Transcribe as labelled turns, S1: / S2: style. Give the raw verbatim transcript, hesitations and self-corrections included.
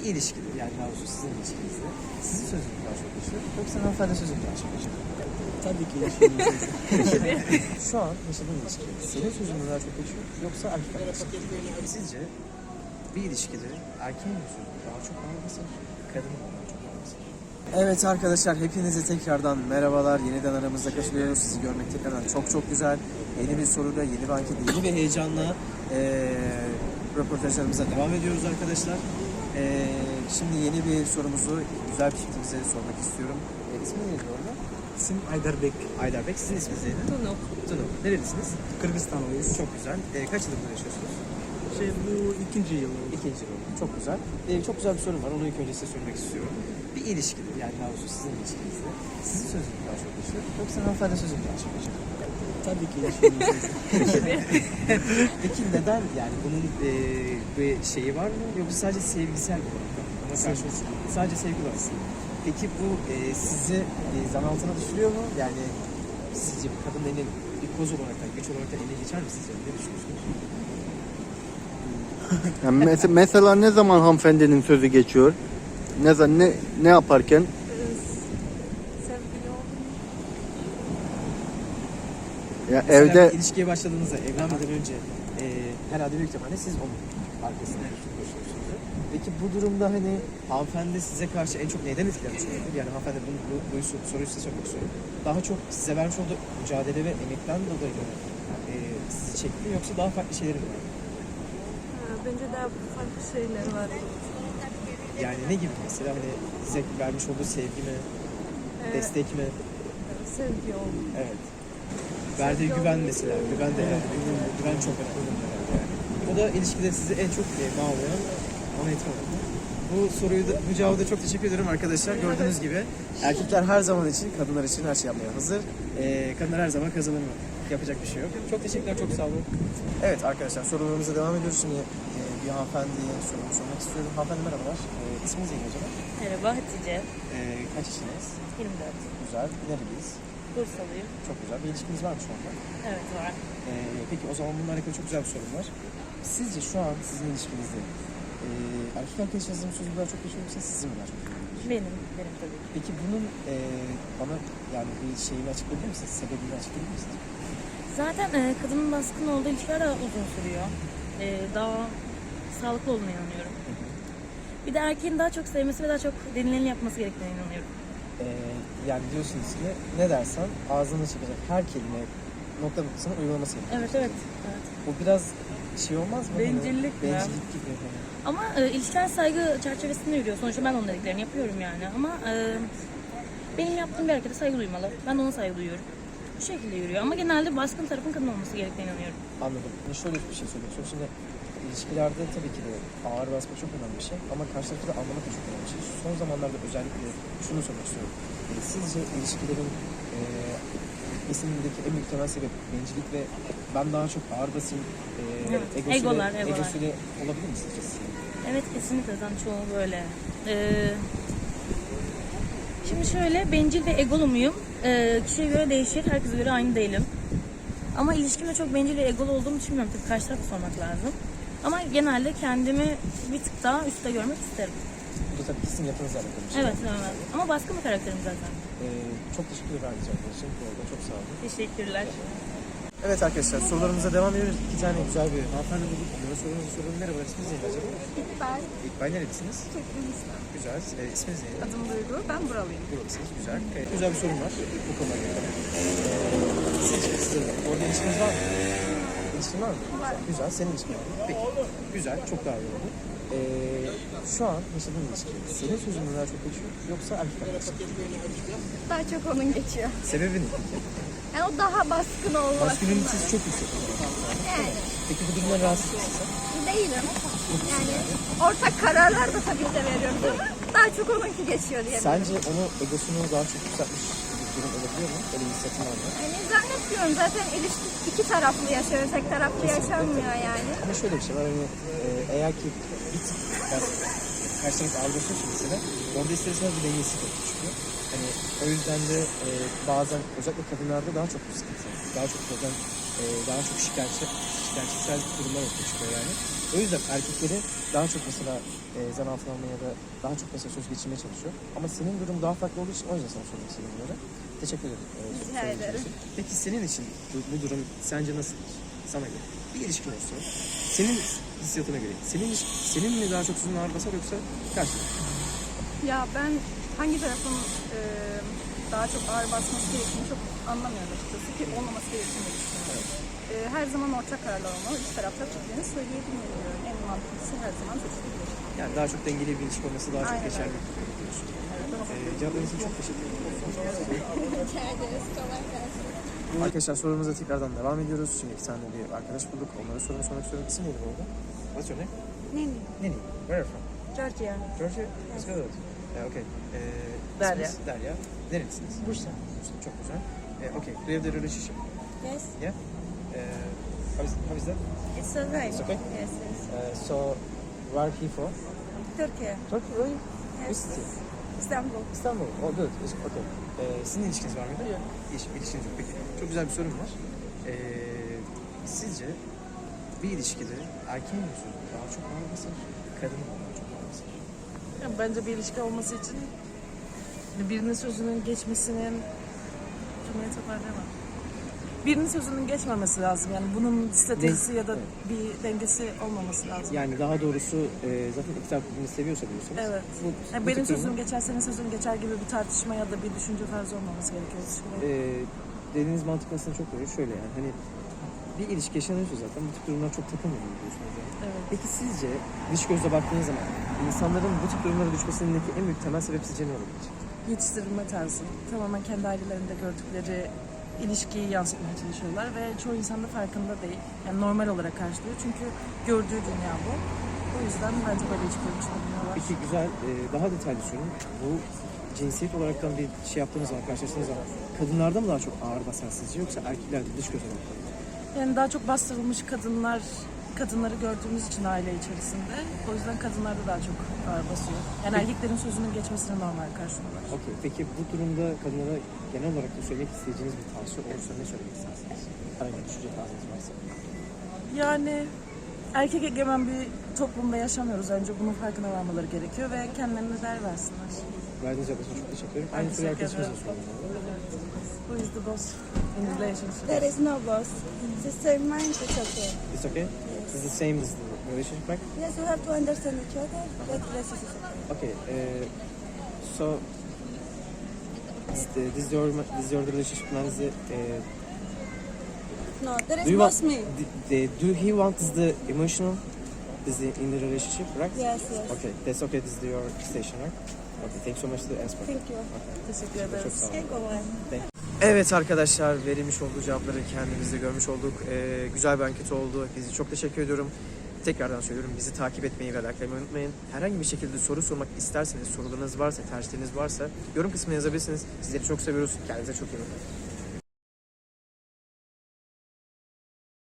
S1: ilişkide, yani daha doğrusu sizin ilişkinizde sizin sözünüz daha çok geçiyor yoksa hanımefendi sözünüz daha çok geçiyor?
S2: Tabii ki ilişkimiz.
S1: Şu an yaşadığın ilişki senin sözün mü daha çok geçiyor yoksa erkek arkadaşın? Sizce bir ilişkide erkeğin mi sözü daha çok ağır basar, kadının mı daha çok ağır basar? Evet arkadaşlar, hepinize tekrardan merhabalar. Yeniden aramızda katılıyoruz. Sizi görmek tekrardan çok çok güzel. Yeni bir soruyla, yeni bir anket, yeni bir heyecanla ee, röportajlarımıza devam ediyoruz arkadaşlar. Ee, şimdi yeni bir sorumuzu güzel bir çiftimize sormak istiyorum. E, ismi neydi orada?
S2: İsim Ayderbek.
S1: Ayderbek. Sizin isminiz neydi?
S3: Tunu.
S1: Tunu. Nerelisiniz?
S2: Kırgızistanlıyız.
S1: Çok güzel. Ee, kaç yıldır burada yaşıyorsunuz?
S2: Şey bu ikinci yıl.
S1: İkinci yıl. Çok güzel. Ee, çok güzel bir sorum var. Onu ilk önce size sormak istiyorum. Bir ilişkide, yani daha doğrusu sizin ilişkinizde sizin sözünüz daha çok geçiyor yoksa hanımefendi sözünüz daha çok geçiyor?
S2: Tabii ki ilişkimiz.
S1: Peki neden, yani bunun e, bir şeyi var mı yoksa sadece sevgisel bir olarak mı? Ona karşı sadece sevgi var aslında. Peki bu e, sizi e, zan altına düşürüyor mu? Yani sizce bir kadının eline bir koz olarak da, güç olarak da eline geçer mi sizce? Ne düşünüyorsunuz?
S4: Yani mes- mesela ne zaman hanımefendinin sözü geçiyor? Ne zaman ne ne yaparken?
S3: Sevgili oldum.
S4: Ya
S1: Mesela
S4: evde
S1: bir ilişkiye başladığınızda, evlenmeden önce e, herhalde büyük ihtimalle siz onun arkasından koşuyorsunuz. Peki bu durumda hani hanımefendi size karşı en çok neyden etkilenmiş olabilir? Yani hanımefendi bu, bu, bu soruyu size sormak istiyorum. Daha çok size vermiş olduğu mücadele ve emekten dolayı mı e, sizi çekti yoksa daha farklı şeyleri mi var?
S3: Ha, bence daha farklı şeyler var.
S1: Yani ne gibi mesela, hani size vermiş olduğu sevgi mi,
S3: Evet.
S1: destek mi?
S3: Sevgi oldu.
S1: Evet. Verdiği güven mesela, güven de yani. Güven çok önemli herhalde yani. O da ilişkide sizi en çok e, bağlayan ana etmen oldu. Bu soruyu da, bu cevabı da çok teşekkür ederim arkadaşlar. Gördüğünüz gibi erkekler her zaman için, kadınlar için her şey yapmaya hazır. Ee, kadınlar her zaman kazanır mı? Yapacak bir şey yok. Çok teşekkürler, çok sağ olun. Evet arkadaşlar, sorularımıza devam ediyoruz. Şimdi e, bir hanımefendiye sorumu sormak istiyorum. Hanımefendi merhabalar. E, isminiz neydi acaba?
S3: Merhaba Hatice.
S1: E, kaç yaşındayız?
S3: yirmi dört.
S1: Güzel. Nereliyiz?
S3: Bursalıyım.
S1: Çok güzel. Bir ilişkiniz var mı şu anda?
S3: Evet var.
S1: E, peki o zaman bununla alakalı çok güzel bir sorum var. Sizce şu an sizin ilişkinizde e, erkek arkadaş yazdığım sözü daha çok geçiyor yoksa sizin mi daha çok geçiyor?
S3: Benim, benim tabii ki.
S1: Peki bunun e, bana yani bir şeyini açıklayabilir misiniz? Sebebini açıklayabilir misiniz?
S3: Zaten e, kadının baskın olduğu ilişkiler daha uzun sürüyor. E, daha sağlıklı olduğuna inanıyorum. Bir de erkeğin daha çok sevmesi ve daha çok denileni yapması gerektiğine inanıyorum.
S1: E, yani diyorsunuz ki ne dersen ağzını çıkacak her kelime nokta noktasına uygulaması gerekiyor.
S3: Evet, evet. evet.
S1: Bu biraz şey olmaz mı?
S3: Bencillik
S1: hani,
S3: mi?
S1: Bencillik gibi. Hani.
S3: Ama e, ilişkiler saygı çerçevesinde yürüyor. Sonuçta ben onun dediklerini yapıyorum yani. Ama e, benim yaptığım bir harekete saygı duymalı. Ben de ona saygı duyuyorum. Bu şekilde yürüyor. Ama genelde baskın tarafın kadın olması gerektiğine inanıyorum.
S1: Anladım. Şimdi şöyle bir şey söylemek istiyorum. Şimdi ilişkilerde tabii ki de ağır basma çok önemli bir şey. Ama karşı tarafı da anlamak da çok önemli bir şey. Son zamanlarda özellikle şunu sormak istiyorum. E, sizce ilişkilerin e, kesinlikle en büyük temel sebep bencillik ve ben daha çok ağır basayım e,
S3: Evet,
S1: egosuyla,
S3: egolar, egolar.
S1: egosuyla olabilir mi sizce?
S3: Evet, kesinlikle zaten çoğu böyle. Ee, şimdi şöyle, bencil ve egolu muyum? Ee, kişiye göre değişir, herkese göre aynı değilim. Ama ilişkimde çok bencil ve egolu olduğumu düşünmüyorum. Tabii karşı tarafa sormak lazım. Ama genelde kendimi bir tık daha üstte görmek isterim.
S1: Bu da tabii kesin yapınızla alakalı bir şey.
S3: Evet, evet. Ama baskın bir karakterim zaten.
S1: E, çok teşekkür ederim arkadaşlar. Bu arada çok sağ olun.
S3: Teşekkürler.
S1: Evet arkadaşlar, sorularımıza devam ediyoruz. İki tane güzel bir hanımefendi bulduk. Onlara sorunuzu soralım. Merhaba, isminiz neydi acaba?
S5: İkbal,
S1: İkbal nerelisiniz?
S5: Türkmenistan.
S1: Güzel. E, isminiz neydi?
S5: Adım Duygu, ben buralıyım.
S1: Buralısınız. Güzel. E, güzel bir sorun var bu konuyla alakalı. E, sizce sizde de orada ilişkiniz var mı? İlişkin var mı?
S5: Var.
S1: Güzel. Senin ilişkin var mı? Peki. Güzel. Çok daha iyi oldu. E, şu an yaşadığın ilişki senin sözün mü daha çok geçiyor yoksa erkek arkadaşın?
S5: Daha çok onun geçiyor.
S1: Sebebi ne peki?
S5: Yani o daha baskın olması.
S1: Maskülenitesi çok yüksek.
S5: Yani
S1: Peki bu durumdan rahatsız mısın?
S5: değilim. Yani ortak kararlar da tabii ki de veriyoruz ama daha çok onunki geçiyor diye.
S1: Sence onu egosunu daha çok yükseltmiş bir durum olabiliyor mu? Öyle bir hissettin var mı?
S5: Yani zannetmiyorum, zaten ilişki iki taraflı yaşıyor, tek taraflı yaşanmıyor yani.
S1: Ama şöyle bir şey var, hani e, eğer ki bir tık yani, karşı taraf ağır basıyorsa mesela orada ister istemez bir dengesizlik ortaya çıkıyor. Hani o yüzden de e, bazen özellikle kadınlarda daha çok sıkıntı, daha çok problem, e, daha çok şikayetçi, şikayetçisel durumlar ortaya çıkıyor yani. O yüzden erkekleri daha çok mesela e, zan altına almaya ya da daha çok mesela söz geçirmeye çalışıyor. Ama senin durum daha farklı olduğu için o yüzden sana sormak istedim bunları. Teşekkür ederim. e,
S5: Rica
S1: söylediğin
S5: ederim.
S1: için. Peki senin için bu, bu durum sence nasıl? Sana göre. Bir ilişkin olsun. Senin hissiyatına göre. Senin senin mi daha çok uzun ağır basar yoksa karşı?
S5: Ya ben hangi tarafın e, daha çok ağır basması gerektiğini çok anlamıyorum açıkçası ki olmaması gerektiğini de düşünüyorum. E, her zaman ortak kararlar olmalı. İki tarafta fikrini söyleyebilmeli diyorum. En mantıklısı her zaman seçilebilir.
S1: Yani daha çok dengeli bir ilişki olması daha çok
S5: Aynen
S1: geçerli
S5: öyle.
S1: diyorsun. Ee, cevaplarınız için çok teşekkür ederim.
S5: Rica ederiz. Kolay gelsin.
S1: Arkadaşlar sorumuza tekrardan devam ediyoruz. Şimdi iki tane bir arkadaş bulduk. Onlara sorumu sormak istiyorum. İsim neydi bu arada? What's your name?
S5: Neni.
S1: Neni. Where are you from?
S5: Georgia.
S1: Georgia? It's good. Uh, okay. Ee,
S2: Derya.
S1: isminiz Derya. Nerelisiniz?
S2: Bursa.
S1: Bursa. Çok güzel. Ee, okay. Do you have the relationship?
S5: Yes.
S1: Yeah? Uh, how, is, how is that?
S5: It's alright.
S1: It's okay?
S5: Yes, yes.
S1: Uh, so, where are he from?
S5: Turkey.
S1: Turkey, really?
S5: Yes.
S1: Which city?
S5: İstanbul.
S1: İstanbul. Oh good. It's okay. Ee, sizin ilişkiniz var mıydı? Yok. İliş, ilişkiniz yok. Peki. Çok güzel bir sorum var. Ee, sizce bir ilişkide erkeğin mi sözü daha çok ağır basar, kadının mı daha çok ağır basar?
S6: Yani bence bir ilişki olması için birinin sözünün geçmesinin cümleyi toparlayamam. Birinin sözünün geçmemesi lazım. Yani bunun stratejisi ya da bir dengesi olmaması lazım.
S1: Yani daha doğrusu e, zaten iki taraf birbirini seviyorsa diyorsunuz.
S6: Evet.
S1: Bu,
S6: Yani
S1: bu
S6: benim
S1: tip
S6: sözüm
S1: durumda,
S6: geçer, senin sözün geçer gibi bir tartışma ya da bir düşünce tarzı olmaması gerekiyor ilişkide.
S1: E, dediğiniz mantık aslında çok doğru. Şöyle yani hani bir ilişki yaşanıyorsa zaten bu tip durumlar çok takılmıyor diyorsunuz yani.
S6: Evet.
S1: Peki sizce dış gözle baktığınız zaman insanların bu tip durumlara düşmesindeki en büyük temel sebep sizce ne olabilir?
S6: Yetiştirilme tarzı. Tamamen kendi ailelerinde gördükleri ilişkiyi yansıtmaya çalışıyorlar ve çoğu insan da farkında değil. Yani normal olarak karşılıyor çünkü gördüğü dünya bu. O yüzden bence böyle ilişkiler düşünebiliyorlar.
S1: Peki güzel, e, daha detaylı sorun. Bu cinsiyet olaraktan bir şey yaptığınız zaman, karşılaştığınız zaman kadınlarda mı daha çok ağır basar sizce yoksa erkeklerde dış göze bakıyor?
S6: Yani daha çok bastırılmış kadınlar, kadınları gördüğümüz için aile içerisinde. O yüzden kadınlarda daha çok ağır basıyor. Yani erkeklerin sözünün geçmesini normal karşılıyorlar.
S1: Okey. Peki bu durumda kadınlara genel olarak da söylemek isteyeceğiniz bir tavsiye olursa ne söylemek istersiniz? Herhangi bir düşünce tarzınız varsa.
S6: Yani erkek egemen bir toplumda yaşamıyoruz. Önce bunun farkına varmaları gerekiyor ve kendilerine değer versinler.
S1: Verdiğiniz cevap için çok teşekkür ederim. Aynı soruyu
S6: teşekkür
S1: arkadaşımıza
S6: ederim.
S1: sorayım.
S6: Who is the boss in relationship?
S5: There is no boss. The same mind, it's okay.
S1: It's okay? It's the same as the relationship, right?
S5: Yes, you have to understand each other. That relationship is okay.
S1: Okay. Uh, so this, the, this is your this is your relationship now. Is the, uh,
S5: No, there is
S1: do you
S5: boss
S1: want
S5: me.
S1: the, the, do he want is the emotional is the in the relationship, right?
S5: Yes, yes.
S1: Okay, that's okay. This is your station, right? Okay, thanks so much for the answer.
S5: Thank you.
S6: Teşekkür
S1: Çok
S6: ederiz.
S1: sağ olun.
S5: Okay, go on.
S1: Evet arkadaşlar, verilmiş olduğu cevapları kendimizde görmüş olduk. Ee, güzel bir anket oldu. Hepinize çok teşekkür ediyorum. Tekrardan söylüyorum, bizi takip etmeyi ve likelamayı unutmayın. Herhangi bir şekilde soru sormak isterseniz, sorularınız varsa, tercihleriniz varsa yorum kısmına yazabilirsiniz. Sizleri çok seviyoruz. Kendinize çok iyi bakın.